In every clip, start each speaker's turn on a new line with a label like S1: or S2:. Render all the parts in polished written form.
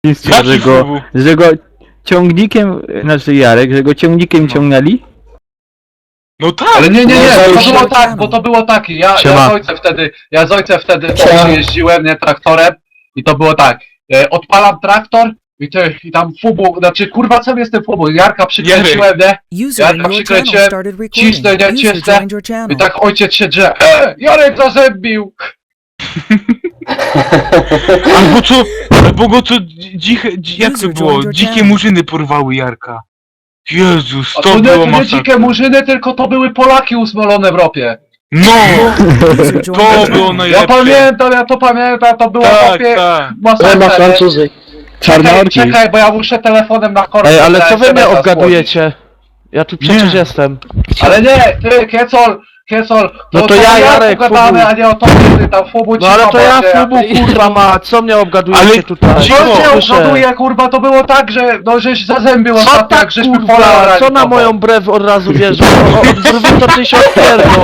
S1: Mistrza, że go ciągnikiem, znaczy Jarek, że go ciągnikiem ciągnęli?
S2: No tak!
S3: Ale nie,
S4: No,
S3: to
S4: się-
S3: było tak, bo to było tak, ja z ojcem wtedy jeździłem, nie, traktorem i to było tak, odpalam traktor i tam fubu, znaczy kurwa co jest ten fubu, Jarka przykręciłem, nie,
S5: User in
S3: Jarka
S5: your channel
S3: przykręciłem,
S5: started recording.
S3: cisnę, nie,
S5: User
S3: cisnę
S5: joined your
S3: i
S5: channel.
S3: tak ojciec się drze, Jarek zazębił!
S2: Albo go co jak to
S5: User
S2: było?
S5: joined your
S2: Dzikie
S5: channel.
S2: murzyny porwały Jarka. Jezus,
S3: A
S2: to
S3: to
S2: było
S3: nie
S2: masakra.
S3: dzikie murzyny, tylko to były Polaki usmolone w ropie.
S2: No!
S5: User joined
S2: To
S5: your
S2: było
S5: channel.
S2: najlepsze.
S3: Ja to pamiętam, to było
S2: Tak,
S3: chłopie,
S2: tak.
S4: Nie ma
S3: masakra, nie?
S4: Francuzy.
S1: Czarnorki.
S3: Czekaj, bo ja muszę telefonem na korpus.
S6: Ej, ale co wy mnie
S3: SMS-a
S6: obgadujecie? Ja tu przecież
S2: Nie.
S6: jestem.
S3: złożyć. Ale nie, ty, Kiecol,
S6: No to ja, Jarek,
S3: pogadamy,
S6: Fubu.
S3: a nie o tobie, ty tam Fubu
S6: No ale to ja
S3: cicho,
S6: Fubu, kurwa ma, co mnie obgadujecie
S2: Ale-
S6: tutaj?
S2: Cicho,
S3: Co cię
S6: Słyszę.
S3: obgaduje, kurwa, to było tak, że, no, żeś zazębił
S6: Co
S3: ostatnio,
S6: tak,
S3: jak żeśmy pola
S6: kurwa,
S3: orali
S6: co na
S3: tobą.
S6: moją brew od razu wiesz? Od brwi to ty się odpierdol.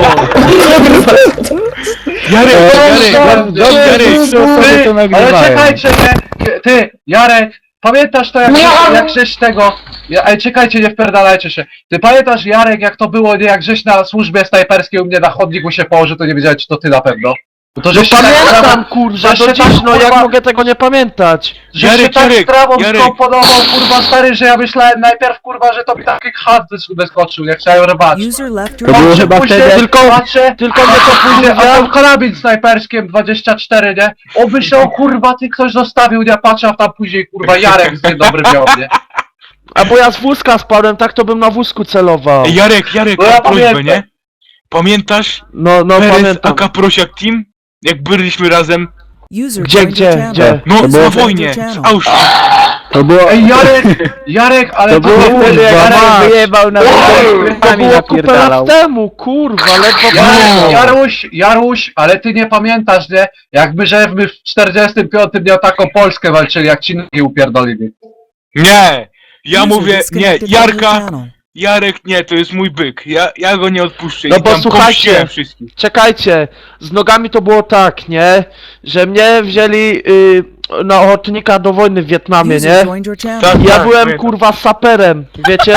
S3: Ty, ale czekajcie, nie, ty, Jarek, pamiętasz to jak żeś tego, ej, czekajcie, nie wpierdalajcie się, ty pamiętasz, Jarek, jak to było, nie, jak żeś na służbie snajperskiej u mnie na chodniku się położył, to nie wiedziałeś, czy to ty na pewno. No to
S6: No
S3: żeś się
S6: pamiętam,
S3: tak,
S6: kurwa,
S3: że się
S6: do dziś,
S3: tak,
S6: no jak
S3: kurwa,
S6: mogę tego nie pamiętać?
S3: że się
S2: Jarek,
S3: tak
S2: Jarek,
S3: sprawą
S2: Jarek.
S3: skomponował, kurwa, stary, że ja myślałem najpierw, kurwa, że to mi taki chat wyskoczył, jak chciałem rwać.
S5: User left
S1: To
S5: your
S1: było
S5: channel.
S1: chyba wtedy,
S6: Tylko mnie to
S3: później, a
S6: później...
S3: tam karabin snajperskim 24, nie? On myślał, kurwa, ty ktoś zostawił, nie? Patrzę, a tam później, kurwa, Jarek z dzień dobry miał, nie?
S6: A bo ja z wózka spadłem, tak to bym na wózku celował.
S2: Ej, Jarek,
S3: No ja
S2: mam prośbę,
S3: pamiętam.
S2: nie? Pamiętasz
S6: No
S2: Perez
S6: pamiętam.
S2: aka Prosiak Team? Jak byliśmy razem?
S5: User
S6: Gdzie,
S5: joined your
S6: gdzie,
S5: channel.
S6: gdzie?
S2: No,
S1: To było
S2: na
S1: w-
S2: wojnie, z Auschwitz.
S1: To było...
S3: Ej, Jarek, ale
S1: To było wtedy, jak
S3: Jarek,
S1: Jarek wyjebał na
S6: To
S1: wygrywami
S6: było kupę
S1: napierdalał.
S6: lat temu, kurwa, ledwo
S3: Jarek,
S6: pamiętam.
S3: Jaruś, ale ty nie pamiętasz, nie? Jak my w 45 nie o taką Polskę walczyli, jak ci nogi upierdolili.
S2: Nie! Ja
S5: User
S2: mówię, nie,
S5: disconnected from your
S2: Jarka,
S5: channel.
S2: Jarek nie, to jest mój byk. Ja go nie odpuszczę.
S6: No
S2: I
S6: bo
S2: tam
S6: słuchajcie,
S2: pomściłem wszystkich.
S6: Czekajcie, z nogami to było tak, nie? Że mnie wzięli na ochotnika do wojny w Wietnamie, nie?
S5: User joined your channel.
S2: Tak.
S6: Ja byłem
S2: pamiętam.
S6: kurwa saperem, wiecie?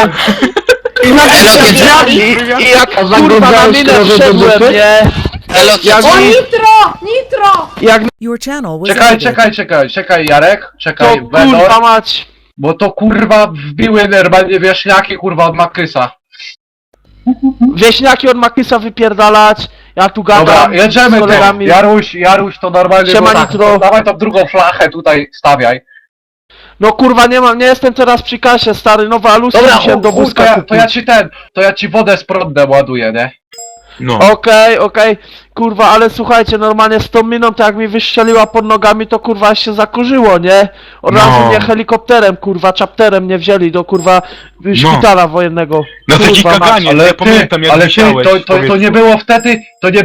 S6: I jak
S4: A
S6: kurwa na
S4: zaglądałeś
S6: minę
S4: trochę do
S6: wszedłem,
S4: dupy?
S6: nie? Jak
S7: O,
S6: mi,
S7: nitro!
S6: jak mi
S5: Your channel was
S3: Czekaj, Jarek,
S6: to
S3: czekaj,
S6: kurwa
S3: Wenor,
S6: mać.
S3: bo to kurwa wbiły normalnie wieśniaki, kurwa, od Makrysa.
S6: Wieśniaki od Makisa wypierdalać, ja tu
S3: Dobra,
S6: gadam
S3: jedziemy
S6: z
S3: ty.
S6: kolegami.
S3: Jaruś to normalnie
S6: Siema,
S3: było tak,
S6: Nitro.
S3: dawaj tą drugą flachę tutaj stawiaj.
S6: No kurwa nie jestem teraz przy kasie, stary, nowe alusy
S3: Dobra,
S6: musiałem do
S3: chuj,
S6: wózka
S3: to ja
S6: kupić.
S3: ci wodę z prądem ładuję, nie?
S2: No.
S6: Okej, kurwa, ale słuchajcie, normalnie z tą miną, to jak mi wystrzeliła pod nogami, to kurwa się zakurzyło, nie? Od
S2: No.
S6: razu mnie helikopterem, kurwa, chapterem mnie wzięli do kurwa szpitala wojennego.
S2: Na takie
S6: Kurwa,
S2: kaganie,
S3: Ale
S2: ja
S3: ty,
S2: pamiętam jak
S3: ale ty,
S2: wisiałeś.
S3: to nie było wtedy,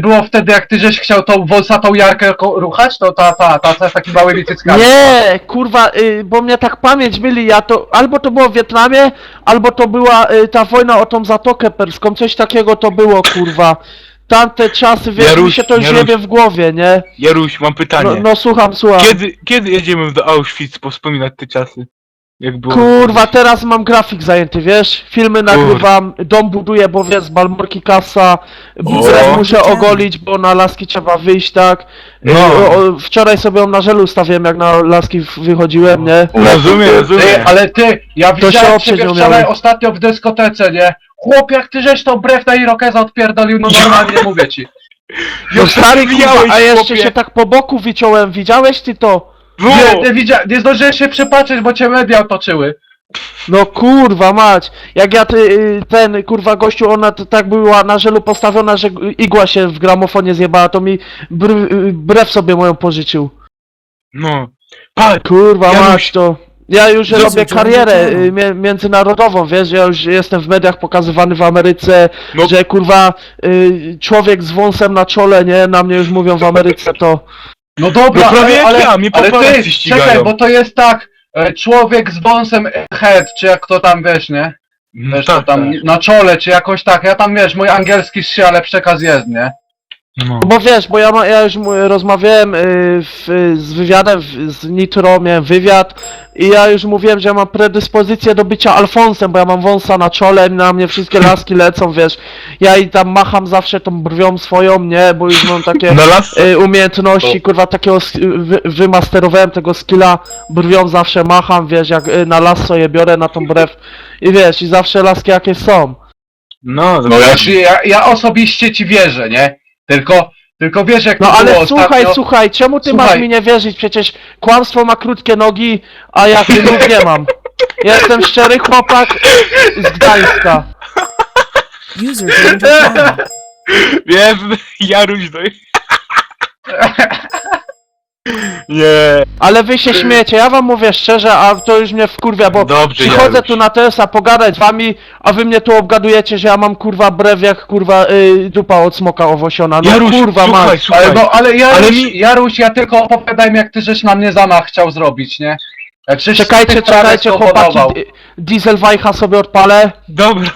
S3: jak ty żeś chciał tą wąsatą Jarkę ruchać, to ta z takimi małymi cyckami.
S6: Nie, kurwa, bo mnie tak pamięć myli, ja to, albo to było w Wietnamie, albo to była ta wojna o tą Zatokę Perską, coś takiego to było, kurwa. Tamte czasy, wiesz, mi
S2: Jaruś,
S6: się to już
S2: Jaruś.
S6: jebie w głowie, nie?
S2: Jaruś, mam pytanie.
S6: No słucham.
S2: Kiedy jedziemy do Auschwitz powspominać te czasy? Jak było?
S6: Kurwa, teraz mam grafik zajęty, wiesz? Filmy nagrywam, dom buduję, bo wiesz, z Balmorki kasa, brew muszę ogolić, bo na laski trzeba wyjść, tak?
S2: No.
S6: Wczoraj sobie ją na żelu ustawiłem, jak na laski wychodziłem, nie?
S2: Rozumiem.
S3: Ty, ale ty, ja
S6: To się
S3: widziałem
S6: oprzeć
S3: ciebie
S6: nie
S3: wczoraj
S6: umiałem.
S3: ostatnio w dyskotece, nie? Chłop, jak ty żeś tą brew na Irokeza odpierdolił, no normalnie mówię ci.
S6: No stary, kurwa,
S2: Widziałeś,
S6: a jeszcze
S2: chłopie.
S6: się tak po boku wyciąłem, widziałeś ty to?
S2: No.
S3: Nie zdążyłem się przypatrzeć, bo cię media otoczyły.
S6: No kurwa mać, jak ja ten kurwa gościu, ona tak była na żelu postawiona, że igła się w gramofonie zjebała, to mi brew sobie moją pożyczył.
S2: No. Patrz,
S6: Kurwa
S2: Janusz,
S6: mać to. Ja już
S5: Jezu,
S6: robię
S5: co
S6: karierę
S5: on
S6: międzynarodową, wiesz, ja już jestem w mediach pokazywany w Ameryce,
S2: No.
S6: że kurwa człowiek z wąsem na czole, nie, na mnie już mówią w Ameryce to.
S3: No dobra,
S2: No prawie jak
S3: ale,
S2: ja, mnie
S3: ale
S2: paparazzi
S3: ty,
S2: ścigają.
S3: czekaj, bo to jest tak, człowiek z wąsem head, czy jak to tam wiesz, nie? Wiesz, to tam na czole, czy jakoś tak, ja tam wiesz, mój angielski się, ale przekaz jest, nie?
S2: No.
S6: Bo wiesz, bo ja już rozmawiałem z wywiadem, z Nitro, miałem wywiad i ja już mówiłem, że ja mam predyspozycję do bycia Alfonsem, bo ja mam wąsa na czole, na mnie wszystkie laski lecą, wiesz. Ja i tam macham zawsze tą brwią swoją, nie, bo już mam takie
S2: Na las?
S6: umiejętności, kurwa, takiego wymasterowałem tego skilla, brwią zawsze macham, wiesz, jak na las sobie biorę na tą brew i wiesz, i zawsze laski jakie są.
S2: No,
S3: No ja osobiście ci wierzę, nie? Tylko wiesz jak
S6: No
S3: to
S6: ale
S3: było
S6: słuchaj,
S3: ostatnio.
S6: słuchaj, czemu ty
S3: Słuchaj.
S6: masz mi nie wierzyć? Przecież kłamstwo ma krótkie nogi, a ja nóg nie mam. Ja jestem szczery chłopak z Gdańska.
S5: User joined your channel.
S2: Wiem, Jaruś, no i... Nie.
S6: Ale wy się śmiecie, ja wam mówię szczerze, a to już mnie wkurwia, bo
S2: Dobrze,
S6: przychodzę
S2: Jaruś.
S6: tu na TS-a pogadać z wami, a wy mnie tu obgadujecie, że ja mam kurwa brew jak kurwa dupa od smoka owosiona. No
S2: Jaruś,
S6: kurwa
S2: słuchaj,
S6: mać.
S2: słuchaj.
S3: Ale Jaruś,
S2: Ale mi-
S3: Jaruś, ja tylko opowiadaj mi jak ty żeś na mnie zamach chciał zrobić, nie? Jak żeś
S6: Czekajcie,
S3: tych prawie
S6: czekajcie chłopaki,
S3: spowodował.
S6: diesel wajcha sobie odpalę.
S2: Dobra.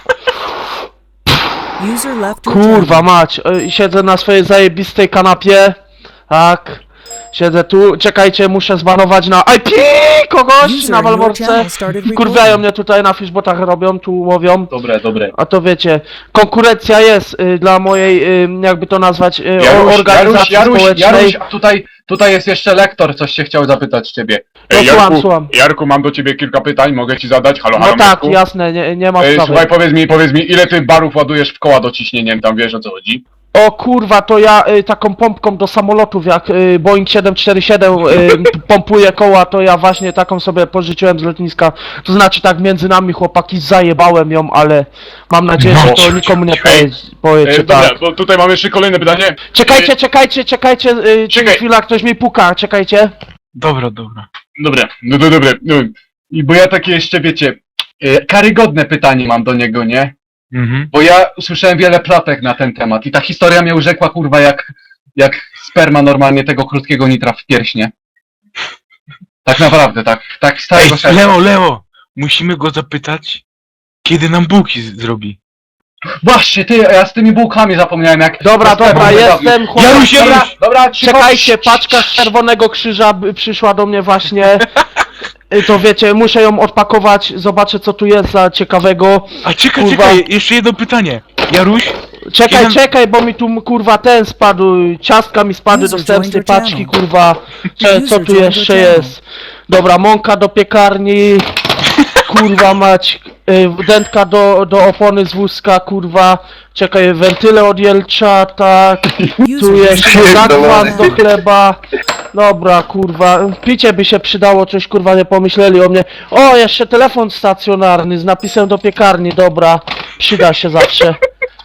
S5: User left your
S6: Kurwa
S5: channel.
S6: mać, siedzę na swojej zajebistej kanapie, tak, siedzę tu, czekajcie, muszę zbanować na IP kogoś
S5: User
S6: na
S5: in your
S6: Walworce,
S5: channel started
S6: kurwiają
S5: recording.
S6: mnie tutaj na fishbotach robią, tu łowią,
S3: Dobre.
S6: a to wiecie, konkurencja jest dla mojej, jakby to nazwać, organizacji społecznej.
S3: Jaruś, a tutaj jest jeszcze lektor, coś się chciał zapytać ciebie.
S6: No, słucham.
S4: Jarku, mam do ciebie kilka pytań, mogę ci zadać? Halo,
S6: No
S4: halo,
S6: tak,
S4: Jarku?
S6: jasne, nie ma sprawy.
S4: Słuchaj, powiedz mi, ile ty barów ładujesz w koła dociśnieniem, tam wiesz o co chodzi?
S6: O kurwa, to ja taką pompką do samolotów, jak Boeing 747 pompuje koła, to ja właśnie taką sobie pożyczyłem z lotniska. To znaczy tak między nami chłopaki zajebałem ją, ale mam nadzieję, że to nikomu nie powiecie,
S4: Dobra,
S6: tak.
S4: bo tutaj mam jeszcze kolejne pytanie.
S6: Czekajcie,
S4: Czekaj.
S6: chwila, ktoś mi puka, czekajcie.
S2: Dobra.
S4: Dobra, no to dobre. No,
S3: I bo ja takie jeszcze, wiecie, karygodne pytanie mam do niego, nie?
S2: Mhm.
S3: Bo ja usłyszałem wiele plotek na ten temat i ta historia mnie urzekła, kurwa, jak sperma normalnie tego krótkiego nitra w pierśnie. Tak naprawdę, tak z
S2: Ej,
S3: całego serca.
S2: Leo, musimy go zapytać, kiedy nam bułki zrobi.
S3: Właśnie, ty, ja z tymi bułkami zapomniałem, jak...
S6: Dobra,
S3: jak sperma wyrobił.
S6: jestem chłopak.
S2: Jaruś,
S3: Dobra, cicho.
S6: Czekajcie, paczka z Czerwonego Krzyża przyszła do mnie właśnie. To wiecie, muszę ją odpakować, zobaczę co tu jest za ciekawego.
S2: A czekaj,
S6: Kurwa.
S2: jeszcze jedno pytanie. Jaruś,
S6: Czekaj, bo mi tu kurwa ten spadł, ciastka mi spadły do
S5: User
S6: wstępnej
S5: joined your
S6: paczki,
S5: channel.
S6: kurwa. Co
S5: User
S6: tu
S5: joined
S6: jeszcze
S5: your channel.
S6: jest? Dobra, mąka do piekarni, kurwa mać, dętka do opony z wózka, kurwa. Czekaj, wentyle od Jelcza, tak. Tu jeszcze zakwas do chleba. Dobra, kurwa, picie by się przydało, coś kurwa nie pomyśleli o mnie. O, jeszcze telefon stacjonarny z napisem do piekarni, dobra, przyda się zawsze.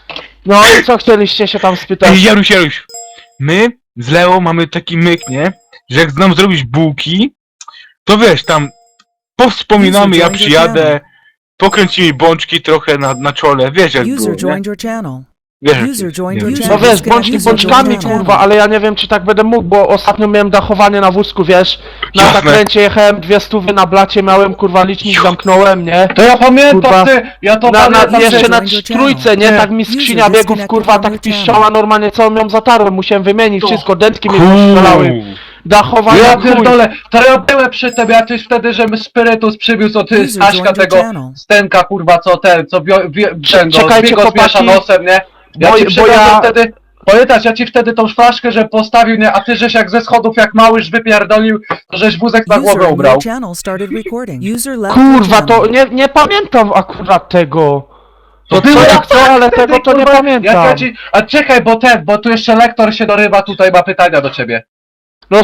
S6: No i co chcieliście się tam spytać?
S2: Ej, Jaruś, my z Leo mamy taki myk, nie? Że jak nam zrobić bułki, to wiesz, tam powspominamy, ja przyjadę, pokręcimy bączki trochę na czole, wiesz jak było,
S5: User
S2: nie?
S5: joined your channel.
S2: Wiesz, jak
S5: User
S2: jest,
S5: joined
S2: nie?
S5: your
S6: No
S5: channel.
S6: wiesz, bączki bączkami, kurwa, ale ja nie wiem czy tak będę mógł, bo ostatnio miałem dachowanie na wózku, wiesz? Na
S2: Jasne.
S6: zakręcie jechałem, 200 na blacie miałem, kurwa, licznik zamknąłem, nie?
S3: To ja pamiętam,
S6: Kurwa.
S3: ty, ja to
S6: Na,
S3: pamiętam,
S6: jeszcze
S3: ty.
S6: na trójce, nie? Tak mi skrzynia biegów, kurwa, tak piszczała, normalnie całą ją zatarłem, musiałem wymienić wszystko, dętki mi wyszalały. Dachowanie,
S3: Ja
S6: chuj.
S3: pierdolę, to ja byłem przy tobie, a tyś wtedy, że spirytus przywiózł od
S5: User
S3: Staśka
S5: joined your
S3: tego
S5: channel.
S3: Stenka, kurwa, co ten, co ten,
S6: Czekajcie,
S3: go zmiesza
S6: chłopaki.
S3: nosem, nie? Ja
S6: Bo-
S3: ci
S6: bo
S3: przywiozłem
S6: ja-
S3: wtedy, pamiętasz, ja ci wtedy tą flaszkę, że postawił, nie? A ty żeś jak ze schodów, jak małyż wypierdolił, to żeś wózek na
S5: User
S3: głowę
S5: in
S3: ubrał.
S5: your channel started recording. User left
S6: Kurwa,
S5: your channel.
S6: to nie pamiętam akurat tego. To
S3: było
S6: co ja chcę, ale
S3: wtedy,
S6: tego to nie
S3: kurwa,
S6: pamiętam.
S3: A czekaj, bo tu jeszcze lektor się dorywa, tutaj ma pytania do ciebie.
S6: No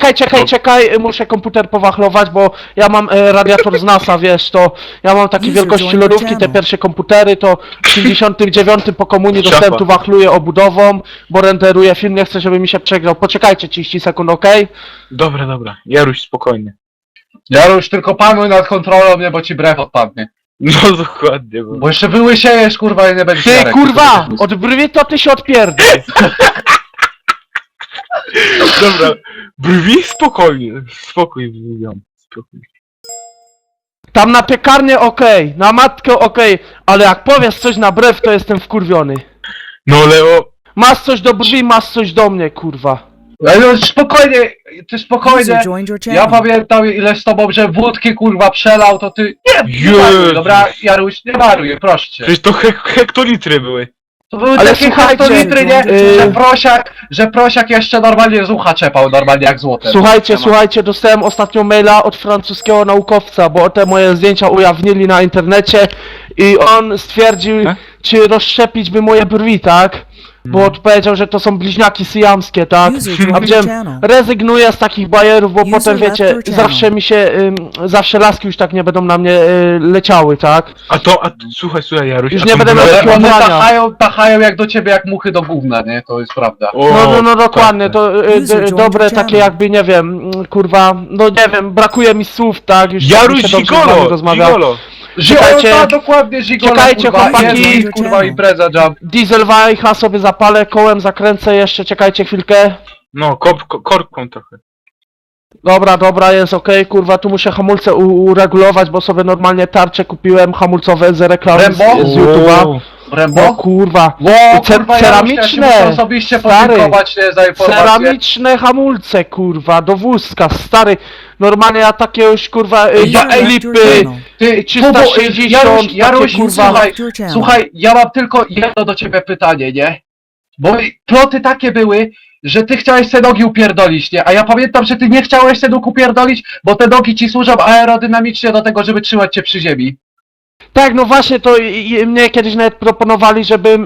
S6: czekaj, muszę komputer powachlować, bo ja mam radiator z NASA, wiesz, to ja mam takiej
S5: User
S6: wielkości
S5: joined
S6: lodówki,
S5: your
S6: te
S5: channel.
S6: pierwsze komputery, to w 59 po komunii
S2: Szafa.
S6: dostępu wachluję obudową, bo renderuję film, nie chcę, żeby mi się przegrał. Poczekajcie 30 sekund, okej?
S2: Dobra, Jaruś, spokojnie.
S3: Ja już tylko panuj nad kontrolą, nie, bo ci brew odpadnie.
S2: No dokładnie, bo...
S3: Bo jeszcze wyłysiejesz, kurwa, i nie będziesz
S6: Ty
S3: Jarek,
S6: kurwa,
S3: tylko
S6: od brwi to ty się odpierdol.
S2: Dobra, brwi spokojnie, spokój, spokój.
S6: Tam na piekarnię okej, na matkę okej, ale jak powiesz coś na brew, to jestem wkurwiony.
S2: No Leo,
S6: Masz coś do brwi, masz coś do mnie, kurwa.
S3: Ale no spokojnie, ty spokojnie.
S5: User joined your
S3: Ja
S5: channel.
S3: pamiętam ile z tobą, że wódki kurwa przelał, to ty... Nie maruj,
S2: Jezus.
S3: dobra? Jaruś, nie maruj, proszę cię.
S2: Przecież to hektolitry były.
S3: To były
S6: Ale
S3: takie
S6: słuchajcie,
S3: hektolitry, nie?
S6: yy,
S3: Że prosiak jeszcze normalnie z ucha czepał, normalnie jak złote.
S6: Słuchajcie, dostałem ostatnio maila od francuskiego naukowca, bo te moje zdjęcia ujawnili na internecie i on stwierdził, czy rozszczepić by moje brwi, tak? Bo odpowiedział, że to są bliźniaki syjamskie, tak?
S5: User
S6: A
S5: joined your
S6: powiedziałem,
S5: channel.
S6: rezygnuję z takich bajerów, bo
S5: User
S6: potem
S5: left
S6: wiecie,
S5: your channel.
S6: zawsze mi się, zawsze laski już tak nie będą na mnie leciały, tak?
S2: Słuchaj, Jaruś.
S6: Już
S2: a
S6: nie
S2: to
S6: będę miał
S2: było-
S6: takiego
S3: One
S6: ubrania.
S3: tachają jak do ciebie jak muchy do gówna, nie? To jest prawda.
S2: O,
S6: No dokładnie,
S2: tak.
S6: to
S5: User joined
S6: dobre
S5: your
S6: takie
S5: channel.
S6: jakby, nie wiem, kurwa, no nie wiem, brakuje mi słów, tak? Już
S2: Jaruś
S6: tak mi się dobrze z wami
S2: Gigolo!
S6: rozmawia.
S2: Gigolo!
S6: Czekajcie.
S3: Żigola, dokładnie Żigola,
S6: Czekajcie,
S3: kurwa,
S6: chłopaki.
S3: jest, kurwa, impreza jump.
S6: Diesel wajcha sobie zapalę, kołem zakręcę jeszcze, czekajcie chwilkę.
S2: No, korką trochę.
S6: Dobra, jest okej, kurwa, tu muszę hamulce uregulować, bo sobie normalnie tarcze kupiłem hamulcowe z reklamy z
S3: Rembo?
S6: YouTube'a. No
S3: Rembo?
S6: kurwa,
S3: Ło, kurwa,
S6: ceramiczne,
S3: ja muszę osobiście
S6: stary.
S3: podziękować nie, za informację.
S6: ceramiczne hamulce, kurwa, do wózka, stary. Normalnie ja takie już, kurwa,
S5: User left your
S6: klipy,
S5: channel.
S3: Ty,
S6: 360,
S3: Jaruś,
S6: takie, kurwa.
S3: słuchaj,
S5: Left your channel.
S3: słuchaj, ja mam tylko jedno do ciebie pytanie, nie? Bo ploty takie były, że ty chciałeś te nogi upierdolić, nie? A ja pamiętam, że ty nie chciałeś te nóg upierdolić, bo te nogi ci służą aerodynamicznie do tego, żeby trzymać cię przy ziemi.
S6: Tak, no właśnie, to mnie kiedyś nawet proponowali, żebym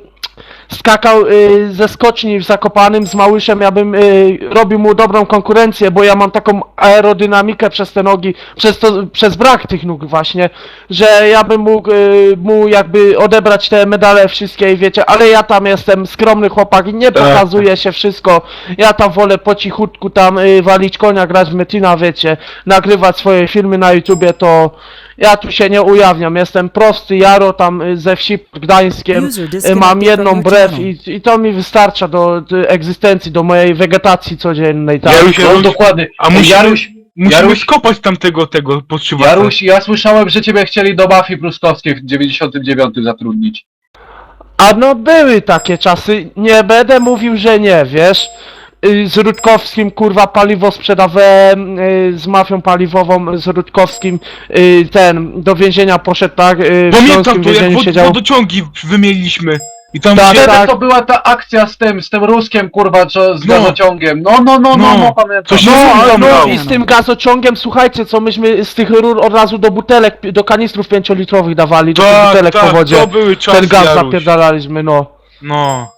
S6: skakał ze skoczni w Zakopanym z Małyszem, ja bym robił mu dobrą konkurencję, bo ja mam taką aerodynamikę przez te nogi, przez brak tych nóg właśnie, że ja bym mógł mu jakby odebrać te medale wszystkie i wiecie, ale ja tam jestem skromny chłopak i nie pokazuje się wszystko, ja tam wolę po cichutku tam walić konia, grać w Metina, wiecie, nagrywać swoje filmy na YouTubie, to ja tu się nie ujawniam, jestem prosty Jaro tam ze wsi pod Gdańskiem,
S5: User disconnected
S6: mam
S5: from
S6: jedną
S5: your
S6: brew
S5: channel.
S6: i to mi wystarcza do egzystencji, do mojej wegetacji codziennej, tak?
S2: Jaruś,
S3: No dokładnie.
S2: a musimy, musimy
S3: Jaruś,
S2: skopać tamtego podszywacza.
S3: Jaruś, ja słyszałem, że ciebie chcieli do mafii pruskowskiej w 99 zatrudnić.
S6: A no były takie czasy, nie będę mówił, że nie, wiesz? Z Rutkowskim, kurwa, paliwo sprzedawałem, z mafią paliwową, z Rutkowskim, do więzienia poszedł, tak? W
S2: Pamiętam
S6: śląskim
S2: to, jak
S6: więzieniu siedział.
S2: wodociągi wymieniliśmy. I tam
S6: Tak,
S2: się...
S3: Wtedy to była ta akcja z tym Ruskiem, kurwa, co z
S2: No.
S3: gazociągiem. No, pamiętam.
S2: Co się
S6: No,
S2: tam
S6: no
S2: dało.
S6: i z tym gazociągiem, słuchajcie, co myśmy z tych rur od razu do butelek, do kanistrów 5-litrowych dawali, do tych butelek po wodzie.
S2: to były czasy,
S6: Ten gaz
S2: Jaruś.
S6: zapierdalaliśmy, no.
S2: No.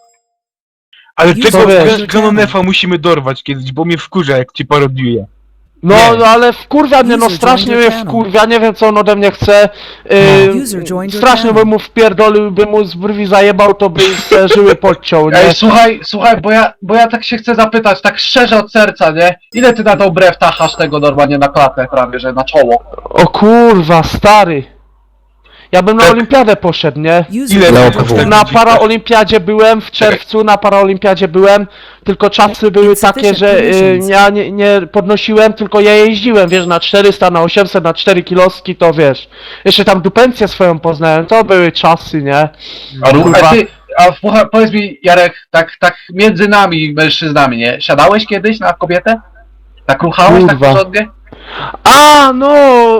S2: Ale
S5: Już
S2: tego
S6: wiesz.
S2: Ganonefa musimy dorwać kiedyś, bo mnie wkurza, jak ci parodiuje.
S6: No,
S2: Nie.
S6: no ale wkurwia mnie, no
S5: User
S6: strasznie
S5: joined
S6: mnie
S5: your
S6: wkurwia, nie wiem co on ode mnie chce.
S5: User joined your
S6: Strasznie
S5: channel.
S6: bym mu wpierdolił, bym mu z brwi zajebał, to by se żyły podciął, nie?
S3: Ej, słuchaj, bo ja tak się chcę zapytać, tak szczerze od serca, nie? Ile ty na tą brew tachasz tego normalnie na klatę prawie, że na czoło?
S6: O kurwa, stary. Ja bym na
S2: Tak.
S6: olimpiadę poszedł, nie?
S5: User
S2: Ile
S5: joined
S2: lat
S5: your
S2: temu?
S6: Na
S5: channel.
S6: paraolimpiadzie byłem, w czerwcu na paraolimpiadzie byłem, tylko czasy były takie, że ja nie podnosiłem, tylko ja jeździłem, wiesz, na 400, na 800, na 4 kiloski, to wiesz. Jeszcze tam dupencję swoją poznałem, to były czasy, nie? Kurwa.
S3: Powiedz mi, Jarek, tak między nami, mężczyznami, nie? Siadałeś kiedyś na kobietę? Tak ruchałeś tak
S6: Kurwa.
S3: porządnie?
S6: A, no,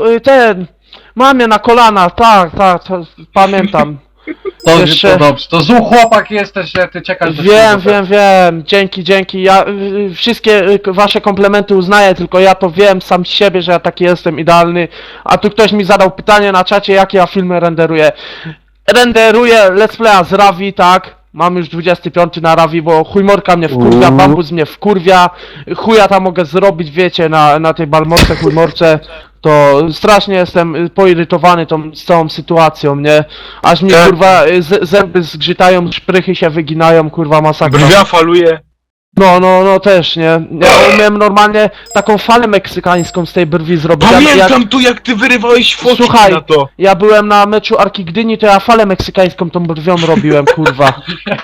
S6: mamie na kolana, tak, to pamiętam.
S3: To,
S6: Jeszcze-
S3: to dobrze, to zły chłopak jesteś, że ty czekasz do ślubu.
S6: Wiem, dzięki. Ja wszystkie wasze komplementy uznaję, tylko ja to wiem sam z siebie, że ja taki jestem idealny. A tu ktoś mi zadał pytanie na czacie, jakie ja filmy renderuję. Renderuję Let's Playa z Ravi, tak? Mam już 25 na Ravi, bo chujmorka mnie wkurwia, bambus mnie wkurwia. Chuja tam mogę zrobić, wiecie, na tej balmorce, chujmorce. To strasznie jestem poirytowany tą z całą sytuacją, nie? Aż mi
S2: Tak.
S6: kurwa zęby zgrzytają, szprychy się wyginają, kurwa masakra.
S2: Brwia faluje.
S6: No też, nie? Ja umiem normalnie taką falę meksykańską z tej brwi zrobić.
S2: Pamiętam tu, jak ty wyrywałeś fotki
S6: Słuchaj,
S2: na to.
S6: ja byłem na meczu Arki Gdyni, to ja falę meksykańską tą brwią robiłem, kurwa.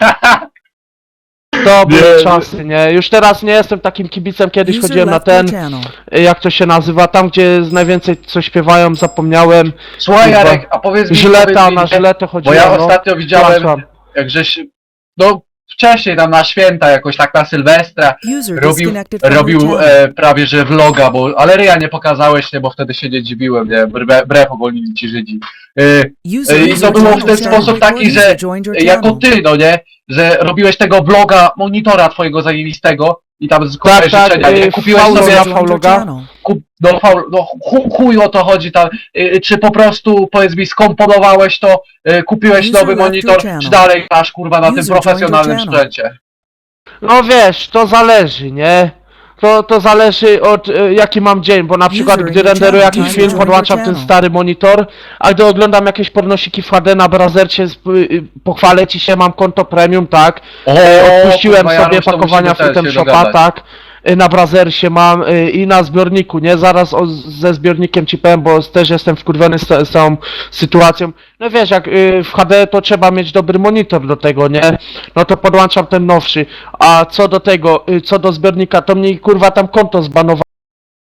S6: To były czasy, nie? Już teraz nie jestem takim kibicem, kiedyś
S5: User
S6: chodziłem na
S5: left your
S6: ten,
S5: channel.
S6: jak to się nazywa, tam gdzie najwięcej co śpiewają, zapomniałem.
S3: Słuchaj,
S6: Kurwa.
S3: Jarek, a powiedz mi,
S6: Żyleta,
S3: powiedz mi,
S6: na
S3: nie?
S6: Żyletę
S3: Bo
S6: chodziłem,
S3: ja
S6: no.
S3: ostatnio widziałem,
S6: Przepraszam.
S3: jak żeś... No, wcześniej tam na święta, jakoś tak na Sylwestra,
S5: User
S3: robił,
S5: disconnected from your
S3: robił
S5: channel.
S3: prawie że vloga, ale ryja nie pokazałeś, nie, bo wtedy się nie dziwiłem, nie, brew uwolnili ci Żydzi.
S5: User
S3: I
S5: was
S3: to było w
S5: joined
S3: ten
S5: your channel
S3: sposób
S5: before
S3: taki, że
S5: user joined your
S3: jako
S5: channel.
S3: ty, no nie, że robiłeś tego vloga, monitora twojego zajebistego i tam składałeś
S6: Tak,
S3: życzenia, nie, kupiłeś
S6: Paulo
S3: sobie,
S6: ja-
S5: User joined your
S6: Fauloga?
S5: channel.
S3: chuj o to chodzi tam, czy po prostu, powiedz mi, skomponowałeś to, kupiłeś
S5: User
S3: nowy
S5: left
S3: monitor,
S5: your channel.
S3: czy dalej masz, kurwa, na tym
S5: User joined
S3: profesjonalnym
S5: your channel.
S3: sprzęcie?
S6: No wiesz, to zależy, nie? To zależy od jaki mam dzień, bo na przykład
S5: User
S6: gdy
S5: in your
S6: renderuję
S5: channel,
S6: jakiś
S5: time to
S6: film,
S5: join
S6: podłączam
S5: your
S6: ten
S5: channel.
S6: stary monitor, a gdy oglądam jakieś pornosiki w HD na Brazercie, pochwalę ci się, mam konto premium, tak? Odpuściłem
S3: kurwa,
S6: sobie
S3: Janusz, to
S6: pakowania
S3: musimy też
S6: Freedom
S3: się
S6: Shopa,
S3: dogadać.
S6: tak? Na Brazersie mam i na zbiorniku, nie? Zaraz ze zbiornikiem ci powiem, bo też jestem wkurwiony z całą sytuacją. No wiesz, jak w HD to trzeba mieć dobry monitor do tego, nie? No to podłączam ten nowszy. A co do tego, co do zbiornika, to mnie kurwa tam konto zbanowało.